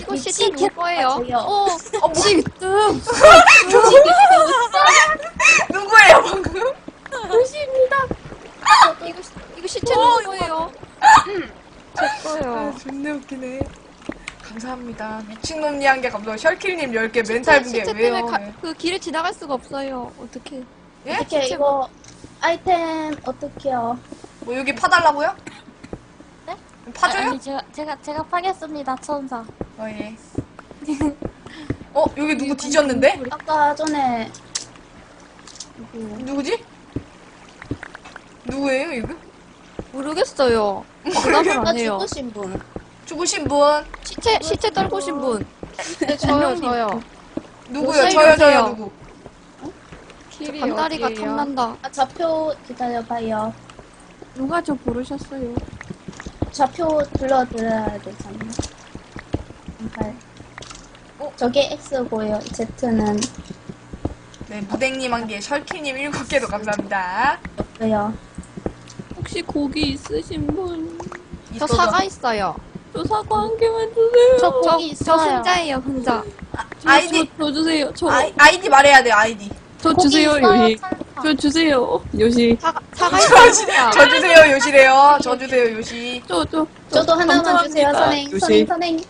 이거 시체 누구 거예요? 지금 누구예요 방금? 도시입니다. 이거 시체 누구 거예요? 제 거예요. 존나 웃기네. 감사합니다. 미친놈이 한 개 감사합니다. 셜킬님 10개, 멘탈 붕괴 시체 왜요? 때문에 그 길을 지나갈 수가 없어요. 어떻게? 예? 어떻게 이거 아이템 어떻게요? 뭐 여기 파달라고요? 네? 파줘요? 아니 제가 파겠습니다 천사. 예. 여기 누구 뒤졌는데? 아까 전에 누구지? 누구예요 이거? 모르겠어요. 대답을 아까 안 해요. 죽으신 분. 죽으신 분? 시체 떨구신 분. 네, 저요. 누구요? 뭐 저요 살려주세요. 누구? 저 반다리가 탐난다. 아 좌표 기다려봐요. 누가 저 부르셨어요? 좌표 불러드려야 되잖아. 저게 X고요. Z는 네, 무댕님 한 개, 셜킬님 7개도 감사합니다. 없어요. 혹시 고기 있으신 분? 저 있어서. 사과 있어요. 저 사과 한 개만 주세요. 저 고기 저 있어요. 혼자예요, 혼자. 아이디, 저 주세요. 아이디 말해야 돼요, 아이디. 저 고기 주세요, 있어요, 요시. 천사. 저 주세요, 요시. 사과 있어요. 저 주세요, 요시래요. 저 주세요, 요시. 저도 하나만 주세요, 선행. 요시. 선행.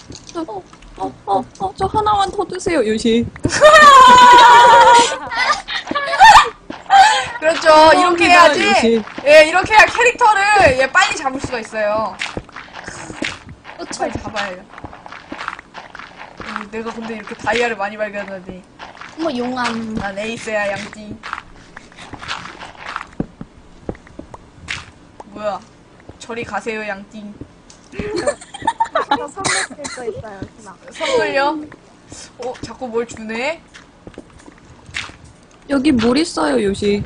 저 하나만 더 주세요, 요시. 그렇죠. 이렇게 해야지. 요시. 예, 이렇게 해야 캐릭터를 예, 빨리 잡을 수가 있어요. 빨리 잡아야 해요. 내가 근데 이렇게 다이아를 많이 발견하다니. 뭐 용암. 난 에이스야, 양띠. 뭐야. 저리 가세요, 양띠. 저 선물 쓸거 있어요, 누나. 선물요? 자꾸 뭘 주네? 여기 물 있어요, 요시.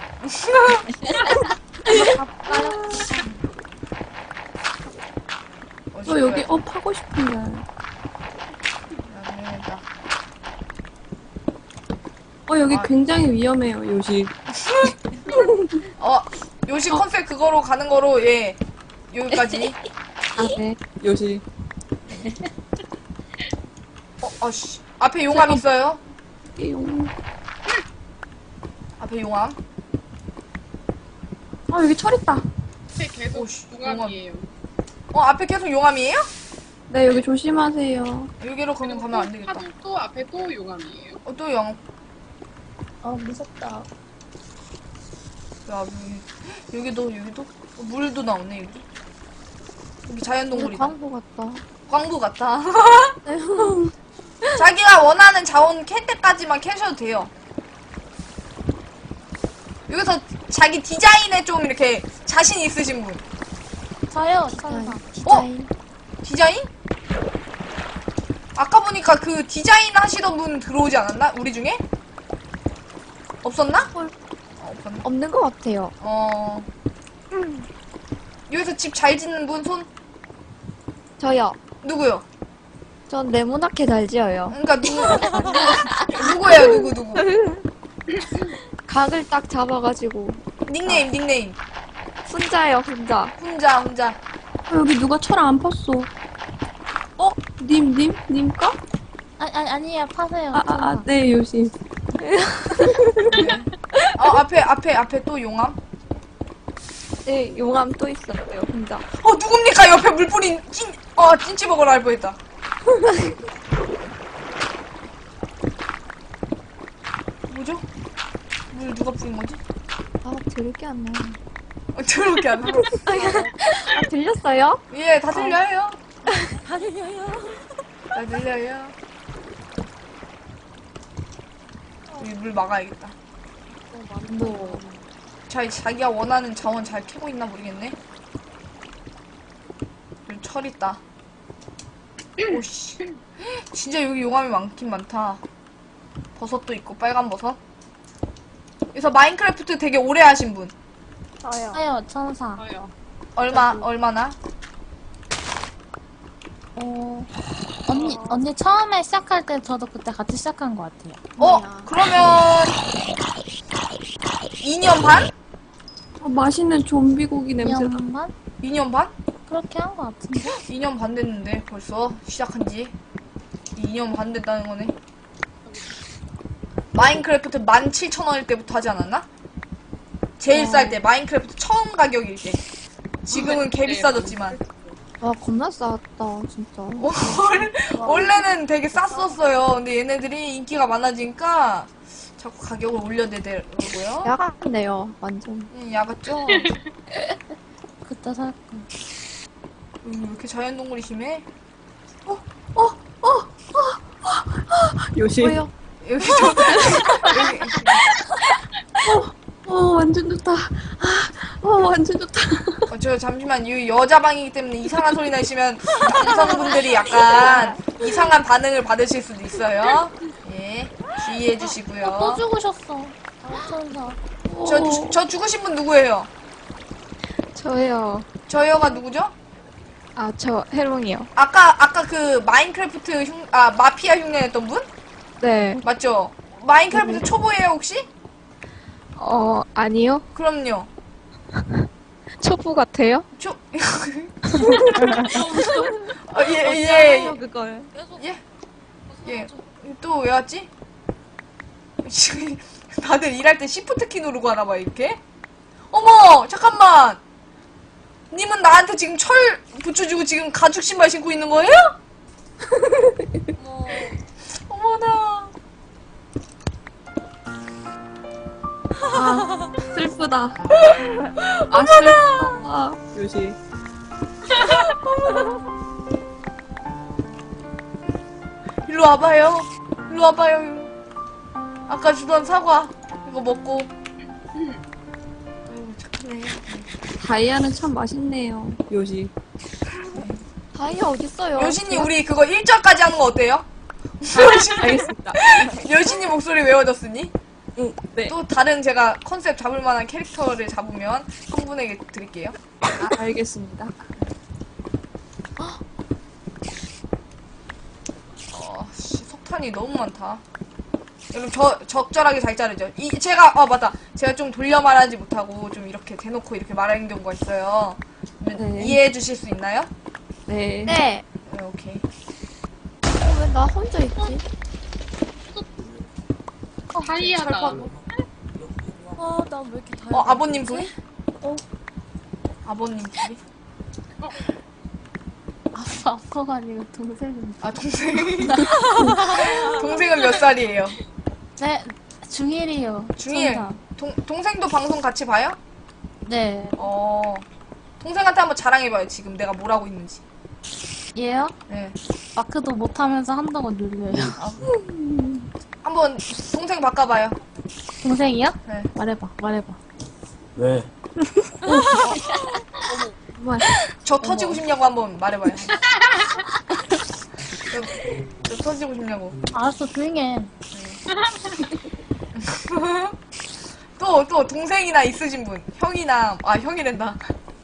저 여기 파고 싶은데. 미안합니다. 여기 굉장히 위험해요, 요시. 요시 컨셉 그거로 가는 거로, 예. 여기까지. 네, 요시. 씨. 앞에 용암 있어요? 용. 앞에 용암. 여기 철 있다. 앞에 계속 오씨, 용암이에요. 앞에 계속 용암이에요? 네, 여기 조심하세요. 여기로 그냥 가면 안 되겠다. 또 앞에 또 용암이에요. 또 영. 무섭다. 야, 여기도. 물도 나오네, 여기. 여기 자연동물이다. 광고 같다. 광부 같다. 자기가 원하는 자원 캘 때까지만 캐셔도 돼요. 여기서 자기 디자인에 좀 이렇게 자신 있으신 분. 저요, 천사. 디자인. 디자인? 아까 보니까 그 디자인 하시던 분 들어오지 않았나? 우리 중에? 없었나? 없었나? 없는 것 같아요. 여기서 집 잘 짓는 분 손? 저요. 누구요? 전 네모나게 잘 지어요. 그러니까 누구예요? 누구? 각을 딱 잡아가지고. 닉네임. 혼자예요, 혼자. 혼자. 여기 누가 철 안 팠어. 님까? 아니에요, 파세요. 네, 요시. 앞에 또 용암? 네, 용암 또 있어요, 혼자. 누굽니까? 옆에 물 뿌린 찐찌버거를 할 뻔했다. 뭐죠? 물 누가 뿌린 거지? 들을 게 안 나요. 더럽게 안 나. 들렸어요? 예, 다 들려요. 다 들려요. 여기 물 막아야겠다. 뭐. 자기가 원하는 자원 잘 캐고 있나 모르겠네. 여기 철 있다. 오씨. 진짜 여기 용암이 많긴 많다. 버섯도 있고, 빨간 버섯. 그래서 마인크래프트 되게 오래 하신 분. 저요, 천사. 저요. 얼마나? 언니 처음에 시작할 때 저도 그때 같이 시작한 것 같아요. 그러면 2년 반? 맛있는 좀비 고기 냄새나. 2년 반? 2년 반? 그렇게 한 것 같은데. 2년 반 됐는데 벌써 시작한 지. 2년 반 됐다는 거네. 마인크래프트 17,000원일 때부터 하지 않았나? 제일 쌀 때, 마인크래프트 처음 가격일 때. 지금은 개 비싸졌지만. 와, 겁나 싸다, 진짜. 원래는 되게 쌌었어요. 근데 얘네들이 인기가 많아지니까 자꾸 가격을 올려대더라고요. 야간데요, 완전. 야갔죠? 그때 살 거. 왜 이렇게 자연동물이 심해? 요시. 뭐요? 여기 좀, 여기, 완전 좋다. 완전 좋다. 저 잠시만, 이 여자방이기 때문에 이상한 소리 나시면 남성분들이 약간 이상한 반응을 받으실 수도 있어요. 예, 주의해 또 주시고요. 죽으셨어. 천사. 저 죽으신 분 누구예요? 저요. 저여가 누구죠? 아, 저 해롱이요. 아까 그 마인크래프트 마피아 흉내냈던 분? 네. 맞죠? 마인크래프트 초보예요 혹시? 아니요. 그럼요. 초보 같아요? 예. 그걸. 예. 또 왜 왔지? 지금 다들 일할 때 시프트 키 누르고 하나봐 이렇게. 어머 잠깐만. 님은 나한테 지금 철 붙여주고 지금 가죽 신발 신고 있는 거예요? 어머나. 슬프다. 어머나. 요시. 일로 와봐요. 일로 와봐요. 아까 주던 사과 이거 먹고. 아이고 착하네. 다이아는 참 맛있네요. 요시. 다이아 어딨어요? 여신이 우리 그거 1절까지 하는 거 어때요? 알겠습니다. 여신이 목소리 외워졌으니 네. 또 다른 제가 컨셉 잡을 만한 캐릭터를 잡으면 한 분에게 드릴게요. 알겠습니다. 석탄이 너무 많다. 여러분 적절하게 잘 자르죠. 제가 맞다. 제가 좀 돌려 말하지 못하고 좀 이렇게 대놓고 이렇게 말하는 경우가 있어요. 네. 이해해 주실 수 있나요? 네. 네. 네, 오케이. 왜 나 혼자 있지? 다이아다. 나 왜 이렇게 다이아? 아버님 소리? 아버님 소리? 아빠가 아니고 동생인데. 아 동생. 동생은 몇 살이에요? 네, 중1이요. 중1. 동생도 방송 같이 봐요? 네. 동생한테 한번 자랑해봐요. 지금 내가 뭘 하고 있는지. 얘요? 네. 마크도 못하면서 한다고 눌려요. 한번 동생 바꿔봐요. 동생이요? 네. 말해봐. 왜? 저 터지고 싶냐고 한번 말해봐요. 저 터지고 싶냐고. 알았어, 조용히 해. 또 동생이나 있으신 분. 형이나 형이란다.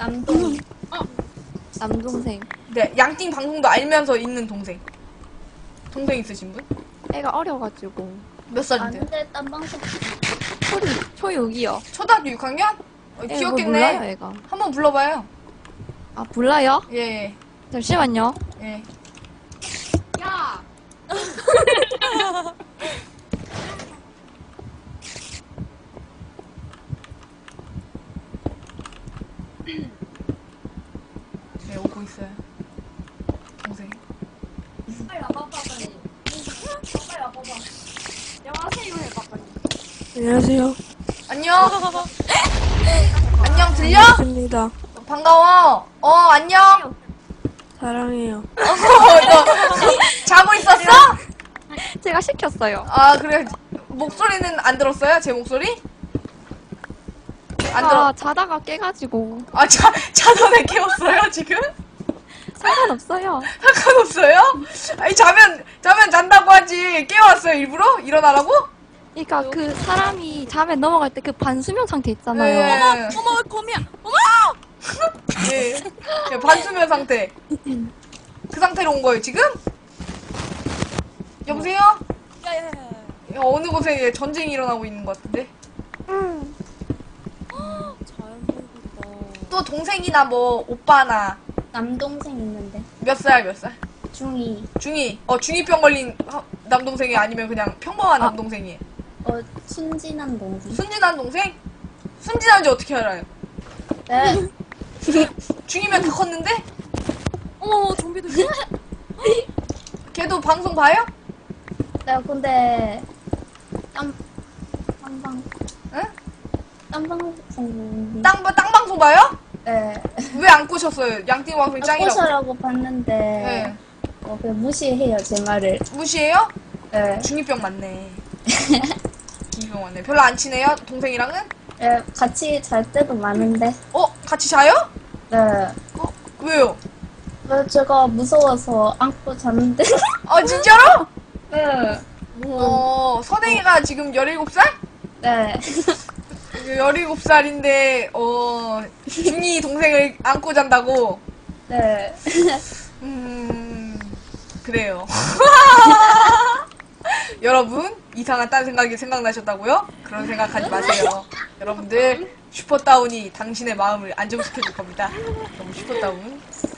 남동생. 네, 양띵 방송도 알면서 있는 동생. 동생 있으신 분? 애가 어려가지고. 몇 살인데요? 안돼, 딴 방송. 초6이요. 초등학교 6학년? 귀엽겠네. 몰라요, 애가. 한번 불러봐요. 아, 몰라요? 예. 잠시만요. 예. 야! 네, 오고 있어요. 동생. 안녕하세요. 안녕. 안녕, 들려? 반갑습니다. 반가워. 안녕. 사랑해요. 너 자고 있었어? 제가 시켰어요. 아, 그래. 목소리는 안 들었어요? 제 목소리? 안 들어. 자다가 깨가지고. 자전에 깨웠어요, 지금? 상관없어요. 상관없어요? 아니, 자면 잔다고 하지. 깨웠어요, 일부러? 일어나라고? 그러니까 그 사람이 잠에 넘어갈 때 그 반수면 상태 있잖아요. 네. 어머, 거미야. 예. 예, 반수면 상태. 그 상태로 온 거예요, 지금? 여보세요? 어느 곳에 전쟁이 일어나고 있는 것 같은데? 또 동생이나 뭐, 오빠나. 남동생 있는데. 몇 살, 몇 살? 중이. 중이. 중이병 걸린 남동생이 아니면 그냥 평범한 남동생이. 순진한 동생. 순진한 동생? 순진한지 어떻게 알아요? 네. 중이면 다 컸는데? 어머, 좀비도 있어. 걔도 방송 봐요? 네, 근데 땀방. 응? 땀방송. 땅 방송 봐요? 네. 왜 안 꼬셨어요? 양띵 방송이 짱이라고. 꼬셔라고 봤는데 네. 그냥 무시해요 제 말을. 무시해요? 네. 중이병 맞네. 중이병 맞네. 별로 안 친해요? 동생이랑은? 네, 같이 잘 때도 많은데. 같이 자요? 네. 왜요? 제가 무서워서 안고 잤는데. 진짜로? 네. 선행이가 지금 17살? 네. 17살인데, 중이 동생을 안고 잔다고? 네. 그래요. 여러분, 이상한 딴 생각이 생각나셨다고요? 그런 생각하지 마세요. 여러분들, 슈퍼다운이 당신의 마음을 안정시켜줄 겁니다. 너무 슈퍼다운.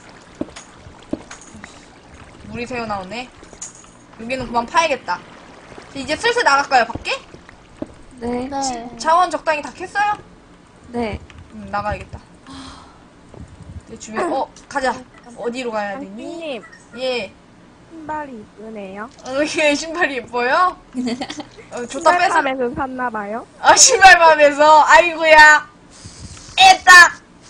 물이 새어 나오네. 여기는 그만 파야겠다. 이제 슬슬 나갈까요, 밖에? 네. 네. 자원 적당히 다 캤어요? 네. 나가야겠다. 내 주변, 가자. 어디로 가야 되니? 님 예. 신발이 이쁘네요. 예, 신발이 예뻐요? 좋다 뺏어. 신발팜에서 샀나봐요. 신발맘에서, 아이고야. 애따!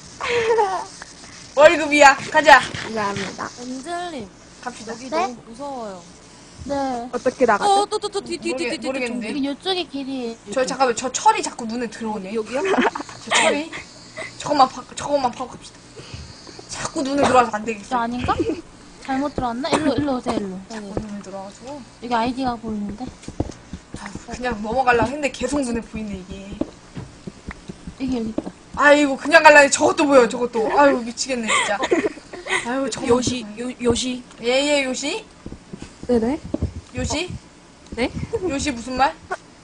월급이야. 가자. 감사합니다. 엔젤님, 갑시다. 여기 네? 너무 무서워요. 네. 어떻게 나가죠? 뒤. 모르겠는데. 여기 이쪽에 길이. 잠깐만, 저 철이 자꾸 눈에 들어오네. 여기요? 저 철이. 저것만 파고 갑시다. 자꾸 눈에 들어와서 안 저 되겠어. 아닌가? 잘못 들어왔나? 일로 오세요, 일로. 여기. 눈에 들어와서. 여기 아이디가 보이는데? 그냥 넘어가려고 했는데 계속 눈에 보이네, 이게. 여기 있다. 아이고, 그냥 갈라니 저것도 보여, 저것도. 아유, 미치겠네, 진짜. 아유, 저거. 요시. 예, 요시? 네네. 요시? 네? 요시 무슨 말?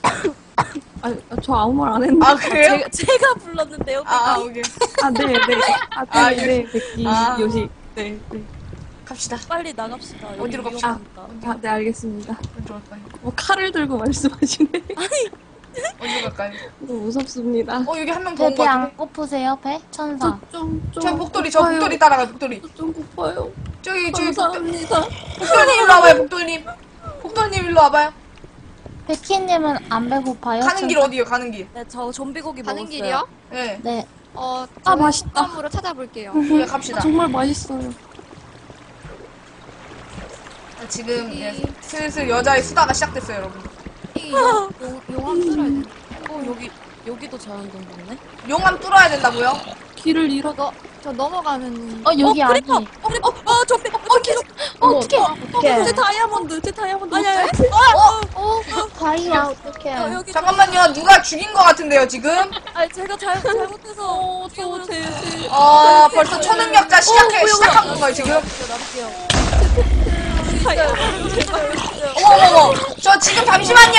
저 아무 말 안 했는데. 그래요? 제가 불렀는데요. 오케이. 네네. 네. 백기, 아. 요시. 네. 갑시다. 빨리 나갑시다. 여기 어디로 갑시다. 위험하니까. 네, 알겠습니다. 어디로 갈까요? 칼을 들고 말씀하시네. 어디로 갈까요? 너무 무섭습니다. 여기 한 명 더 온 거 배 안 같은데? 고프세요, 배? 천사. 저 복돌이 따라가, 복돌이. 좀 고파요. 저기, 감사합니다. 복돌님 일로 와봐요, 복돌님. 복돌님 일로 와봐요. 백희님은 안 배고파요? 가는 길 어디요, 가는 길? 네, 저 좀비고기 가는 먹었어요. 길이요? 예. 네. 맛있다. 으로 찾아볼게요. 네, 갑시다. 정말 맛있어요. 지금 슬슬 여자의 수다가 시작됐어요, 여러분. 이 용암 뚫어야 돼. 여기도 자연동굴이네. 용암 뚫어야 된다고요? 길을 잃어. 저 넘어가는. 여기 아니. 좀비. 어떡해. 어떡해. 제 다이아몬드. 아니야. 다이아 어떡해. 여기 잠깐만요, 누가 죽인 것 같은데요, 지금? 제가 잘못해서. 벌써 초능력자 시작한 건가요, 지금? 어머머머, 저 지금 잠시만요!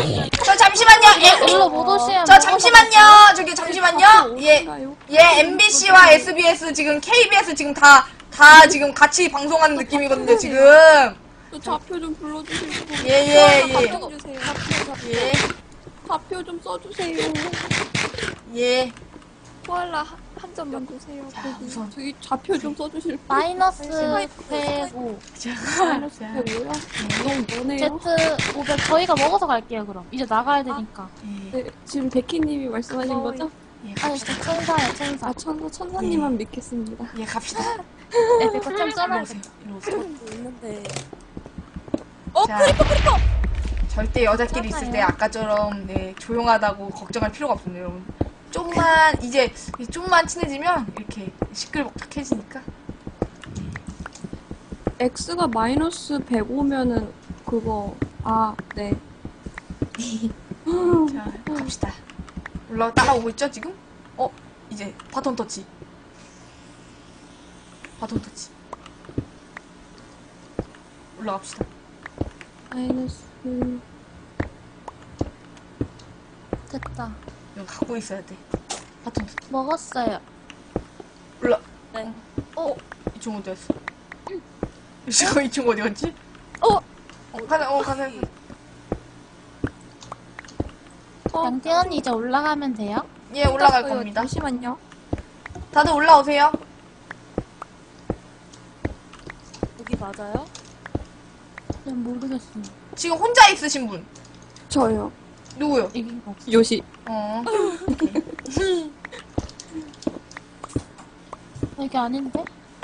일로 못 오시면. 저 잠시만요! 저기 잠시만요! MBC와 SBS, 지금 KBS 지금 다 지금 같이 방송하는 느낌이거든요, 지금. 저 좌표 좀 불러주세요. 예. 좌표 좀 써주세요. 예. 코알라 한 점만 주세요. 우선. 저기 좌표 좀 써주실 분. 마이너스 105. 마이너스 105요? 너무 머네요. Z 500. 저희가 먹어서 갈게요, 그럼. 이제 나가야 되니까. 네, 지금 백희님이 말씀하신 거죠? 아니, 저 천사예요, 천사. 천사님만 믿겠습니다. 예, 갑시다. 네, 백호 좀 써놔야겠다. 이리 오세요. 있는데. 자, 절대 여자끼리 있을 때 아까처럼 조용하다고 걱정할 필요가 없습니다, 여러분. 좀만 친해지면 이렇게 시끌벅적해지니까. X가 마이너스 105면은 그거 네. 자, 갑시다. 따라오고 있죠, 지금? 이제 바톤 터치. 올라갑시다. 마이너스 됐다. 이거 갖고 있어야 돼. 바톤 터치. 먹었어요. 올라. 네. 이쪽 어디였어? 저 이 친구 어디 갔지? 가자. 양띵 언니 이제 올라가면 돼요? 예, 올라갈 떴어요. 겁니다. 잠시만요. 다들 올라오세요. 여기 맞아요? 전 모르겠어요. 지금 혼자 있으신 분. 저요. 누구요? 이긴 거 없어. 요시. 여기 아닌데?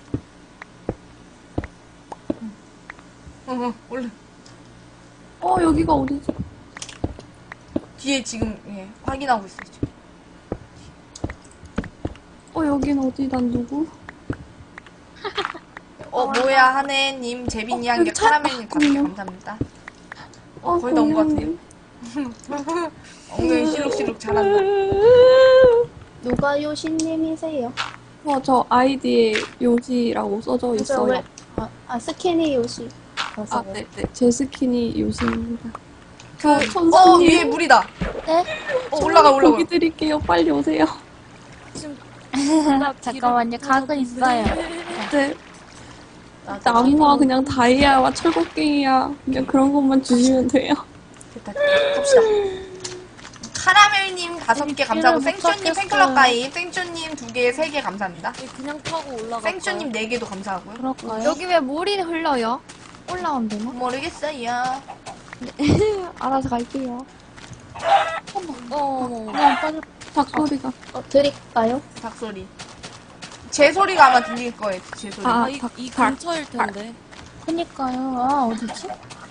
얼른. 여기가 어디지? 뒤에 지금, 예, 확인하고 있어요, 지금. 여긴 어디? 난 누구? 뭐야, 하네님, 제빈이 한 개, 카라멜님 5개 감사합니다. 거의 다 온 것 같은데요? 공룡님. 엉덩이 실룩실룩 잘한다. 누가 요시님이세요? 저 아이디에 요시라고 써져 있어요. 스키니 요시. 네네. 제 스킨이 요시입니다. 그, 천사님. 위에 물이다. 네? 올라가. 고기 드릴게요. 빨리 오세요. 잠깐만요. 각은 있어요. 네. 나무와 그냥 다이아와 철곡갱이야. 그냥 그런 것만 주시면 돼요. 됐다. 갑시다. 카라멜님 5개 감사하고, 못 생초님 찾겠어요. 팬클럽 가입, 생초님 2개, 3개 감사합니다. 그냥 타고 올라가. 생초님 4개도 감사하고요. 그럴까요? 여기 왜 물이 흘러요? 올라오면 되나? 모르겠어요. 알아서 갈게요. 그냥 빨리 닭소리가. 드릴까요? 닭소리. 제 소리가 아마 들릴 거예요, 제 소리. 이 근처일 텐데. 그니까요. 아, 어디지?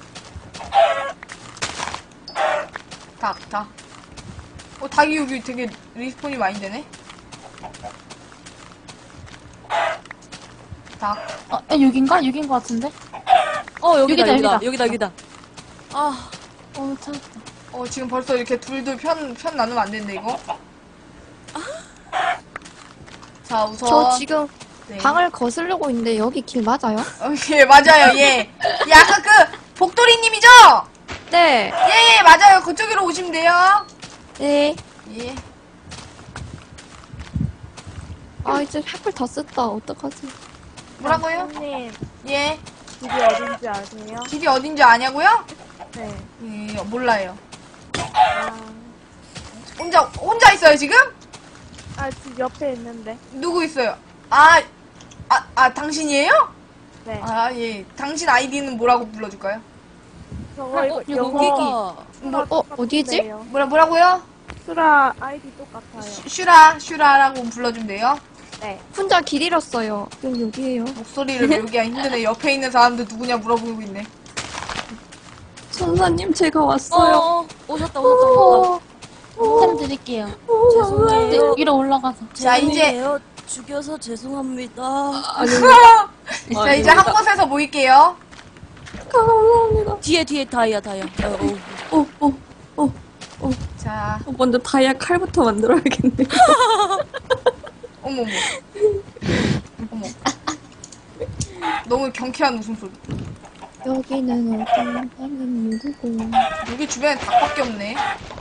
닭. 닭이 여기 되게 리스폰이 많이 되네? 닭. 여긴가? 여긴 거 같은데? 여기다. 찾았다. 지금 벌써 이렇게 둘둘 편 나누면 안 되는데, 이거? 자, 우선. 저 지금 네. 방을 거스르고 있는데 여기 길 맞아요? 예, 맞아요, 예. 예, 아까 그, 복돌이님이죠? 네. 예, 맞아요. 그쪽으로 오시면 돼요. 네. 예. 이제 횃불 다 썼다. 어떡하지? 뭐라고요? 님 예. 길이 어딘지 아세요? 길이 어딘지 아냐고요? 네. 예, 몰라요. 아, 혼자 있어요, 지금? 집 옆에 있는데. 누구 있어요? 당신이에요? 네. 예. 당신 아이디는 뭐라고 불러줄까요? 저거 이거 여기가 어디지? 뭐라고요? 수라 아이디 똑같아요. 슈라라고 불러주면 돼요. 네. 혼자 길 잃었어요. 여기에요. 목소리를 외우기가 힘드네. 옆에 있는 사람들 누구냐 물어보고 있네. 천사님, 제가 왔어요. 오셨다. 템 드릴게요. 죄송해요. 위로 올라가서. 자, 이제, 죄송해요. 죽여서 죄송합니다. 자, 이제 한 곳에서 모일게요. 감사합니다. 뒤에 다이아. 자, 먼저 다이아 칼부터 만들어야겠네. 어머머. 어머. 너무 경쾌한 웃음소리. 여기는 어떤 방은 누구고? 여기 주변에 닭밖에 없네.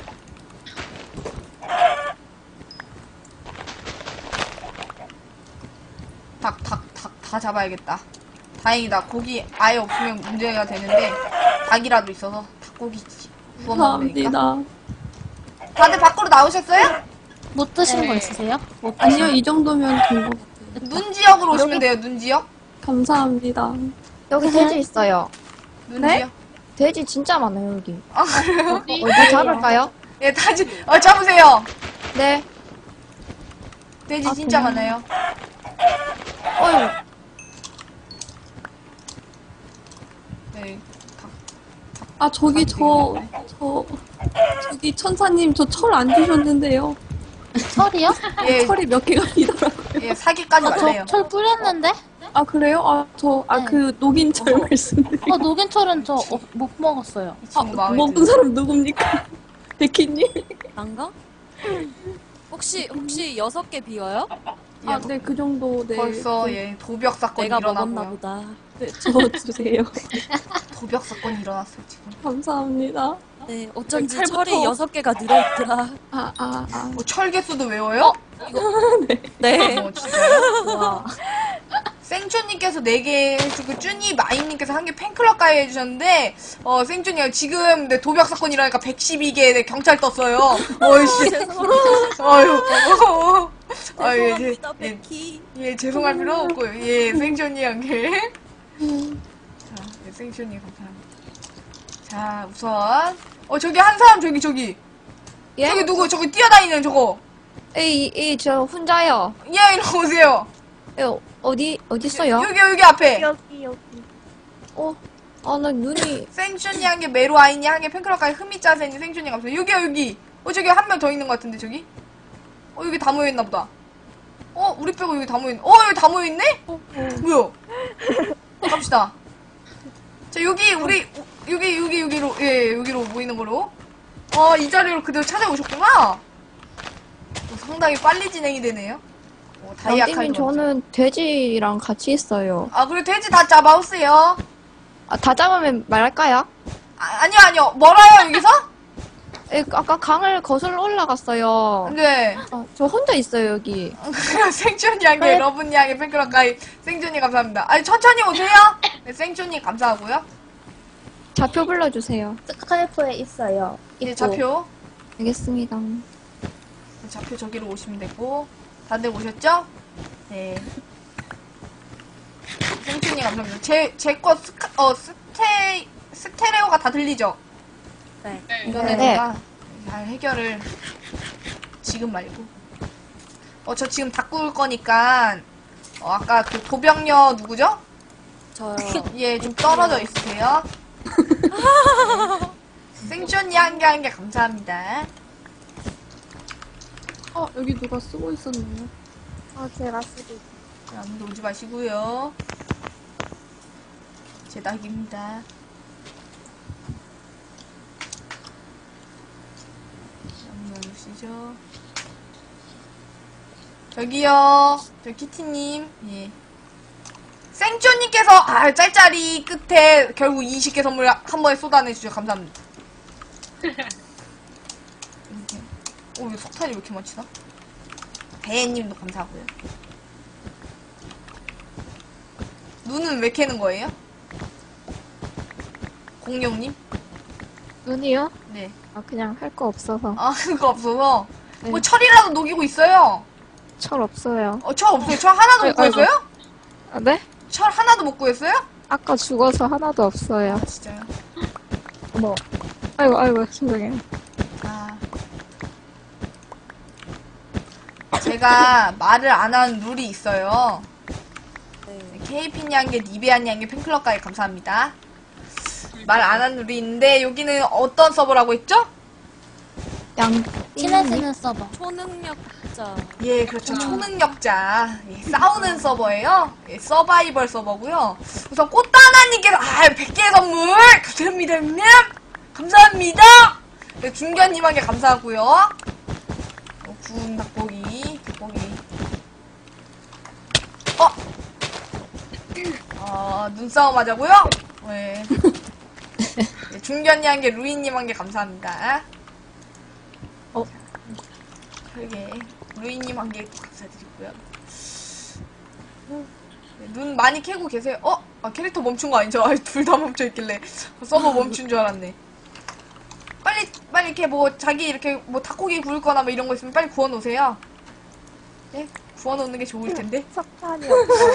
닭 다 잡아야겠다. 다행이다. 고기 아예 없으면 문제가 되는데 닭이라도 있어서 닭고기 구워 먹으면 되니까. 감사합니다. 다들 밖으로 나오셨어요? 못 드신 거 있으세요? 아니요, 이 정도면 된 것 같아요. 눈 지역으로 오시면 돼요. 눈 지역. 감사합니다. 여기 돼지 있어요. 눈 네? 지역. 돼지 진짜 많아요, 여기. 그래요? 어디 잡을까요? 예, 잡으세요. 네. 돼지 진짜 많아요. 어휴. 네. 저기 저기 천사님, 저 철 안 주셨는데요. 철이요? 예, 철이 몇 개가 비더라고요. 예, 사기까지 말래요. 철 뿌렸는데? 그래요? 네. 그 녹인 철 말씀. 녹인 철은 저 못 먹었어요. 이 친구 마음에 먹은 드네. 사람 누굽니까? 데키님? 난가? 혹시 6개 비어요? 네, 그 정도, 네. 벌써 예 도벽 사건이 내가 먹었나 일어나고요. 보다. 네, 저 주세요. 도벽 사건이 일어났어요 지금. 감사합니다. 네, 어쩐지 칼부터. 철이 6개가 늘어있더라. 철개수도 외워요? 네. 진짜요? 와. 생쭈님께서 4개 해주고, 쭈니 마이님께서 1개 팬클럽 가입 해주셨는데, 생쭈님 지금 내 도박 사건 일어나니까 112개 경찰 떴어요. 어이씨. 아유. 아유, 죄송합니다, 베키. 예, 죄송할 필요 없고요. 예, 생쭈님 1개. 자, 예, 생쭈님 감사합니다. 자, 우선. 저기 한 사람, 저기. 예? 저기 누구, 저기 뛰어다니는 저거. 저 혼자요. 예, 이리 오세요. 어디 있어요? 여기 앞에. 여기. 나 눈이. 생준이 1개, 메로 아이니 1개, 팬클럽까지 흐미짜세니 생준이 감사해요. 여기요. 저기 한 명 더 있는 것 같은데, 저기? 여기 다 모여있나 보다. 우리 빼고 여기 다 모여있네. 여기 다 모여있네? 뭐야? 갑시다. 자, 여기로, 예, 여기로 모이는 거로. 이 자리로 그대로 찾아오셨구나? 상당히 빨리 진행이 되네요. 다이아 칼. 양띵님 저는 돼지랑 같이 있어요. 그래, 돼지 다 잡아오세요. 다 잡으면 말할까요? 아니요. 멀어요, 여기서? 아까 강을 거슬러 올라갔어요. 네. 저 혼자 있어요 여기. 생존이 한개 러브니 한개 팬클럽 가입. 생존이 감사합니다. 천천히 오세요. 네, 생존이 감사하고요. 좌표 불러주세요. 스카이프에 있어요. 네, 입구. 좌표. 알겠습니다. 좌표 저기로 오시면 되고. 다들 오셨죠? 네. 생존이 감사합니다. 제 거 스테레오가 다 들리죠? 네. 이거는 네. 내가 잘 해결을 지금 말고. 저 지금 다 구울 거니까 아까 그 도병녀 누구죠? 저요. 예, 좀 떨어져 있으세요. 생존이 한 개 감사합니다. 여기 누가 쓰고 있었네요. 제가 쓰고 자, 아무도 오지 마시고요. 제 낙입니다. 오시죠. 저기요. 저 키티님. 예. 생쪼님께서 짤짤이 끝에 결국 20개 선물 한 번에 쏟아내주셔서 감사합니다. 왜 석탄이 왜 이렇게 많지나? 배혜님도 감사하고요. 눈은 왜 캐는 거예요? 공룡님? 눈이요? 네. 그냥 할 거 없어서. 그거 없어서. 네. 뭐 철이라도 녹이고 있어요. 철 없어요. 철 없어요. 철 하나도 못 아이고. 구했어요? 네? 철 하나도 못 구했어요? 아까 죽어서 하나도 없어요. 진짜요? 아이고 죄송해요. 제가 말을 안 하는 룰이 있어요. 케이핀이 한 개, 니베아니 한 개 팬클럽 가입 감사합니다. 말 안 하는 룰이 있는데 여기는 어떤 서버라고 했죠? 친해지는 서버. 초능력자. 예, 그렇죠. 초능력자. 예, 싸우는 서버예요. 예, 서바이벌 서버고요. 우선 꽃다나님께서 100개 선물 감사합니다, 형님. 감사합니다. 네, 중견님한테 감사하고요. 구운 닭고기. 눈싸움 하자고요? 네. 네, 중견님 한 개, 루이님 한 개 감사합니다. 그러게. 루이님 한 개 감사드리고요. 네, 눈 많이 캐고 계세요. 캐릭터 멈춘 거 아니죠? 둘 다 멈춰있길래. 서버 멈춘 줄 알았네. 빨리 이렇게 자기 이렇게 닭고기 구울 거나 이런 거 있으면 빨리 구워 놓으세요. 네? 구워 놓는 게 좋을 텐데. 석탄이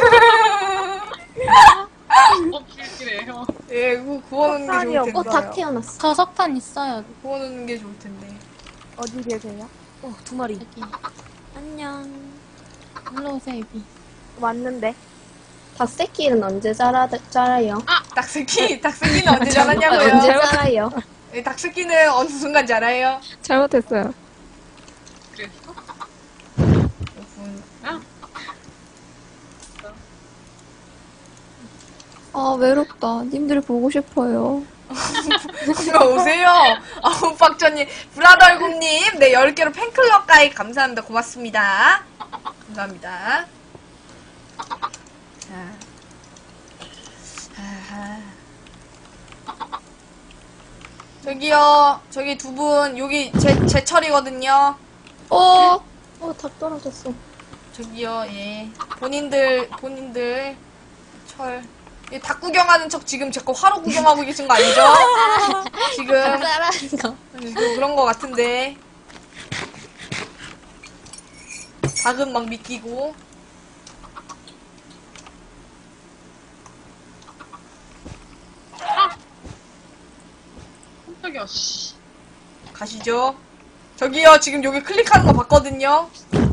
없으시네요. 예, 구워 놓는 게 좋을 텐데. 닭 태어났어. 저 석탄 있어요. 구워 놓는 게 좋을 텐데. 어디 계세요? 2마리. 여기. 안녕. 일로 오세요, 이비. 왔는데. 닭새끼는 언제 자라요? 닭새끼는 언제 자랐냐고요? 언제 자라요? 예, 닭새끼는 어느 순간 자라요? 잘못했어요. 외롭다. 님들 보고 싶어요. 오세요. 아웃박전님, 브라더얼굽님, 네, 10개로 팬클럽 가입 감사합니다. 고맙습니다. 감사합니다. 자. 저기요, 저기 두 분, 여기 제 철이거든요. 닭 떨어졌어. 저기요, 예. 본인들, 철. 이 닭 구경하는 척 지금 자꾸 화로 구경하고 계신 거 아니죠? 지금 따라하는 거. 그런 거 같은데. 닭은 막 믿기고. 깜짝이야, 씨. 가시죠. 저기요, 지금 여기 클릭하는 거 봤거든요.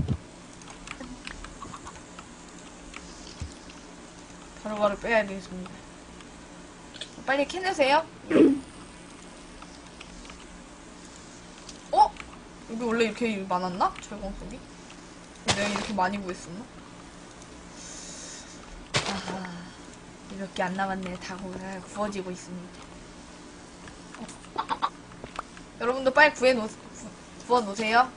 바로바로 빼야 되겠습니다. 빨리 캐내세요. 어? 여기 원래 이렇게 많았나? 철광 속이? 내가 이렇게 많이 구했었나? 아하, 몇 개 안 남았네. 다 구워지고 있습니다. 여러분도 빨리 구워놓으세요.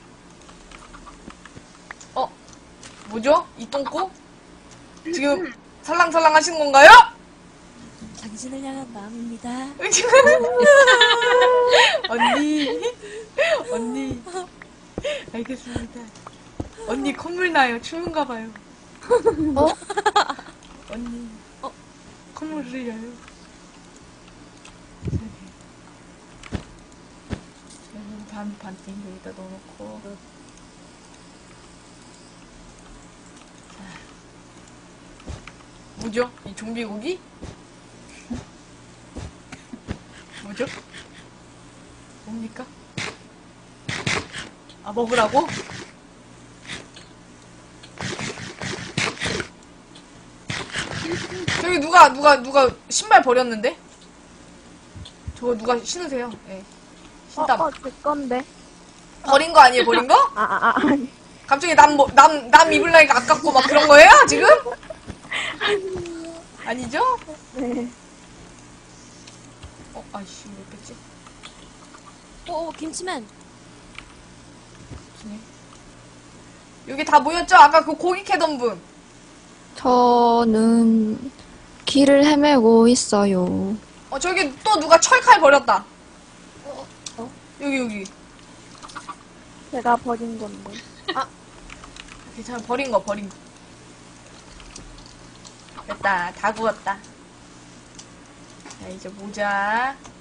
뭐죠? 이 똥꼬? 지금 살랑살랑 하시는 건가요? 당신을 향한 마음입니다. 언니. 알겠습니다. 언니 콧물 나요. 추운가 봐요. 언니. 콧물 흘려요. 반띵 여기다 넣어놓고. 자. 뭐죠? 이 좀비고기? 뭐죠? 뭡니까? 아, 먹으라고? 저기 누가 신발 버렸는데? 저거 누가 신으세요? 예. 신땀. 제 건데. 버린 거 아니에요, 버린 거? 아니. 갑자기 남 입을 나이가 아깝고 막 그런 거예요, 지금? 아니죠? 네. 아이씨, 왜 뺐지? 김치맨. 무슨 여기 다 모였죠? 아까 그 고기 캐던 분. 저는 길을 헤매고 있어요. 저기 또 누가 철칼 버렸다. 여기. 제가 버린 건데. 괜찮아, 버린 거. 됐다, 다 구웠다. 자, 이제 모자.